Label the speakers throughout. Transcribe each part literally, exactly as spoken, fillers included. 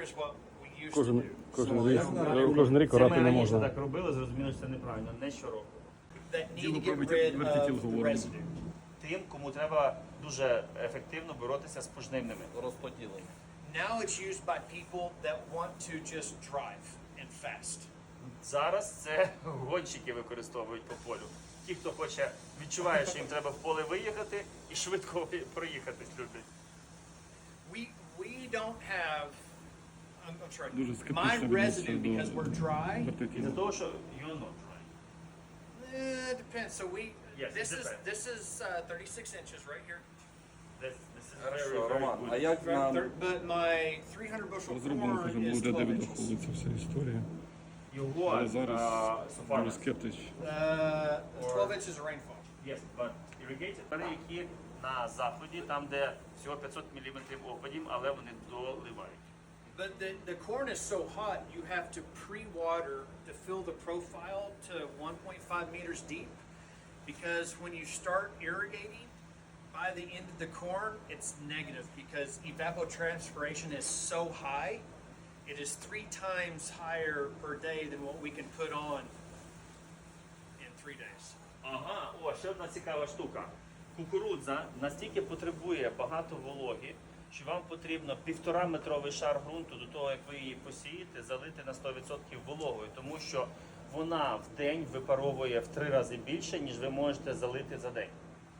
Speaker 1: is what we used to
Speaker 2: Кожен,
Speaker 1: do.
Speaker 2: кожен рік, кожен рік
Speaker 3: Це
Speaker 2: орати
Speaker 3: ми
Speaker 2: не
Speaker 3: раніше
Speaker 2: можна.
Speaker 3: так робили, зрозуміло, що це неправильно, не щороку.
Speaker 1: That need to
Speaker 4: Діло про
Speaker 1: get
Speaker 4: верті-
Speaker 1: rid
Speaker 4: вертикіл
Speaker 1: of the
Speaker 4: говоримо.
Speaker 1: residue.
Speaker 3: Тим, кому треба дуже ефективно боротися з пожнивними.
Speaker 5: Розподілення.
Speaker 1: Now it's used by people that want to just drive and fast.
Speaker 3: Зараз це гонщики використовують по полю. Ті, хто хоче, відчуває, що їм треба в поле виїхати і швидко проїхатись люблять.
Speaker 1: We we don't have. I'm, I'm sorry.
Speaker 4: Дуже
Speaker 1: My
Speaker 4: скептично
Speaker 1: residue
Speaker 4: відношуся
Speaker 1: because we're dry.
Speaker 3: І
Speaker 4: вертикілу.
Speaker 3: за того, що you're not dry.
Speaker 1: Eh, it depends. So we.
Speaker 3: Yes,
Speaker 1: this
Speaker 3: it
Speaker 1: is
Speaker 3: depends.
Speaker 1: this is uh, thirty-six inches right here.
Speaker 3: This, this is very,
Speaker 5: Хорошо,
Speaker 3: very
Speaker 5: Роман,
Speaker 3: good.
Speaker 5: а як нам
Speaker 1: Thir- But my three hundred bushel
Speaker 4: Розроблено,
Speaker 1: corn
Speaker 4: кажемо,
Speaker 1: is
Speaker 4: буде
Speaker 1: twelve
Speaker 4: Девід
Speaker 1: inches.
Speaker 4: Ховли ця вся історія.
Speaker 3: Його,
Speaker 4: Але зараз
Speaker 3: uh, so far,
Speaker 4: дуже скептич.
Speaker 1: Uh, twelve inches of rainfall.
Speaker 3: yes, but irrigated. Вони які на заході, там, де всього п'ятсот міліметрів опадів, але вони доливають.
Speaker 1: But the, the corn is so hot, you have to pre-water to fill the profile to one point five meters deep. Because when you start irrigating, by the end of the corn, it's negative because evapotranspiration is so high. It is three times higher per day than what we can put on in three days.
Speaker 3: Ага, о, ще одна цікава штука. Кукурудза настільки потребує багато вологи, що вам потрібно півтора метровий шар ґрунту до того, як ви її посієте, залити на сто відсотків вологою, тому що вона в день випаровує в три рази більше, ніж ви можете залити за день.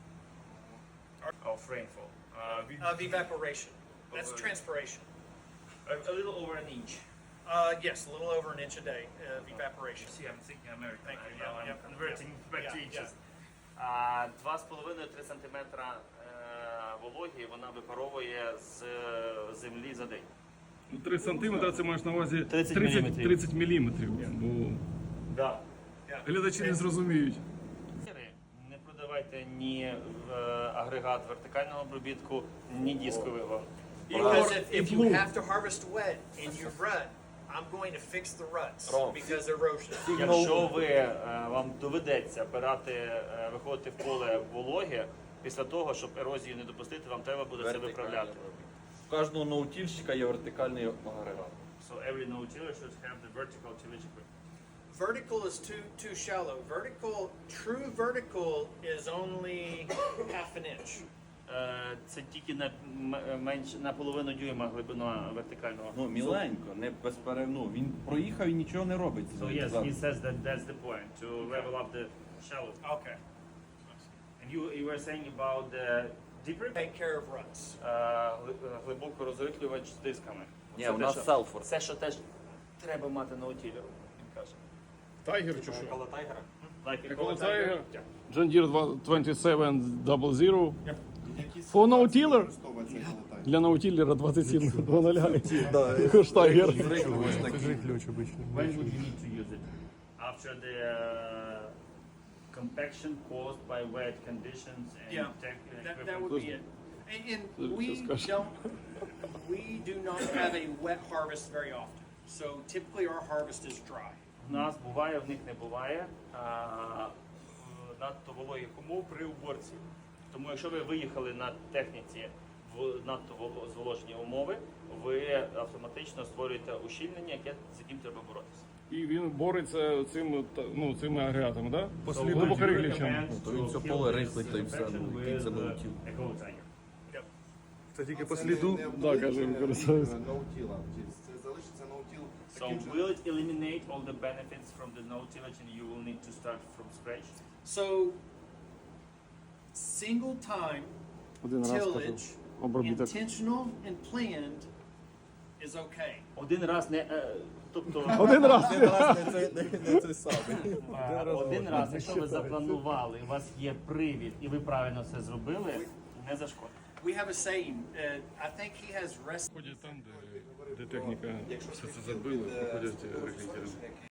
Speaker 3: Of rainfall. Uh, we-
Speaker 1: Of evaporation. That's
Speaker 3: Over-
Speaker 1: transpiration.
Speaker 3: a, a little over an inch.
Speaker 1: Uh, yes, a little over an inch a day of evaporation.
Speaker 3: See, I'm thinking American.
Speaker 1: Thank you.
Speaker 3: I know,
Speaker 1: Yeah,
Speaker 3: I'm
Speaker 1: yeah.
Speaker 3: converting back to
Speaker 1: Yeah,
Speaker 3: inches. А два з половиною три сантиметра е, вологі вона випаровує з е, землі за день.
Speaker 4: Ну, три сантиметри це маєш на увазі
Speaker 3: тридцять
Speaker 4: тридцять
Speaker 3: міліметрів.
Speaker 4: тридцять міліметрів. Бо
Speaker 3: Да.
Speaker 4: глядачі не зрозуміють.
Speaker 3: Не продавайте ні е, агрегат вертикального обробітку, ні дискового.
Speaker 1: Because if, if you have to harvest wet and you rut, I'm going to fix the ruts
Speaker 5: Wrong.
Speaker 1: because erosion.
Speaker 3: Якщо ви, е, вам доведеться брати, е, виходити в поле вологе, після того, щоб ерозію не допустити, вам треба буде це виправляти.
Speaker 5: У кожного ноутільщика є вертикальний агрегат.
Speaker 3: So every no-tiller should have the vertical tillage equipment.
Speaker 1: Vertical is too too shallow. Vertical, true vertical is only half an inch.
Speaker 3: Е, Це тільки на м- менш на половину дюйма глибина вертикального.
Speaker 5: Ну, міленько, не безперервно. Він проїхав і нічого не робить.
Speaker 3: So yes, he says that that's the point to level up the shallow.
Speaker 1: Okay.
Speaker 3: And you you were saying about the deeper
Speaker 1: Take care of ruts.
Speaker 3: е, гли- глибоко розриклювач з дисками.
Speaker 5: Ні,
Speaker 3: Це
Speaker 5: у
Speaker 3: те,
Speaker 5: нас
Speaker 3: що-
Speaker 5: селфор.
Speaker 3: Це що теж треба мати на утілі, він каже.
Speaker 2: Тайгер чи що?
Speaker 3: Like a
Speaker 2: Еколо
Speaker 3: Tiger.
Speaker 2: Tiger?
Speaker 3: Yeah.
Speaker 2: John Deere двадцять сім сто. For no-tiller? Для ноутіллера двадцять сім двадцять. Штайгер.
Speaker 3: When would you need to use it? After the uh, compaction caused by wet conditions and
Speaker 1: Yeah,
Speaker 3: tech
Speaker 1: that,
Speaker 3: equipment?
Speaker 1: that would be it. And, and we
Speaker 2: discussion.
Speaker 1: don't, we do not have a wet harvest very often. So typically our harvest is dry.
Speaker 3: В нас буває, в них не буває а, в надто вологих умов при уборці. Тому якщо ви виїхали на техніці в надто воло- зволожені умови, ви автоматично створюєте ущільнення, яке з яким треба боротися.
Speaker 2: І він бореться цим, та- ну, цими агрегатами, так? Да?
Speaker 3: So
Speaker 2: Глибоко
Speaker 3: we
Speaker 2: рихлячем.
Speaker 3: recommend
Speaker 5: то він
Speaker 3: to
Speaker 5: все
Speaker 3: kill
Speaker 5: поле
Speaker 3: this
Speaker 5: рихлить, та й все,
Speaker 3: infection
Speaker 5: ну,
Speaker 3: with,
Speaker 5: який це
Speaker 3: uh,
Speaker 5: наутіл.
Speaker 3: a cold tiger.
Speaker 2: Це тільки по сліду, да, каже, використовується.
Speaker 6: Наутіла. Це залишиться наутіл.
Speaker 3: So will it eliminate all the benefits from the no-tillage and you will need to start from scratch?
Speaker 1: So single time
Speaker 2: Один раз кажу,
Speaker 1: tillage,
Speaker 2: обробіток.
Speaker 1: intentional and planned is okay.
Speaker 3: Один раз не, е, тобто
Speaker 2: Один раз.
Speaker 3: е, один раз, якщо ви запланували, у вас є привід і ви правильно все зробили, не зашкодить.
Speaker 1: We have a saying. Uh, I think he has rest.
Speaker 4: Ходять там, де, де техніка все це забила, проходять рихлітери.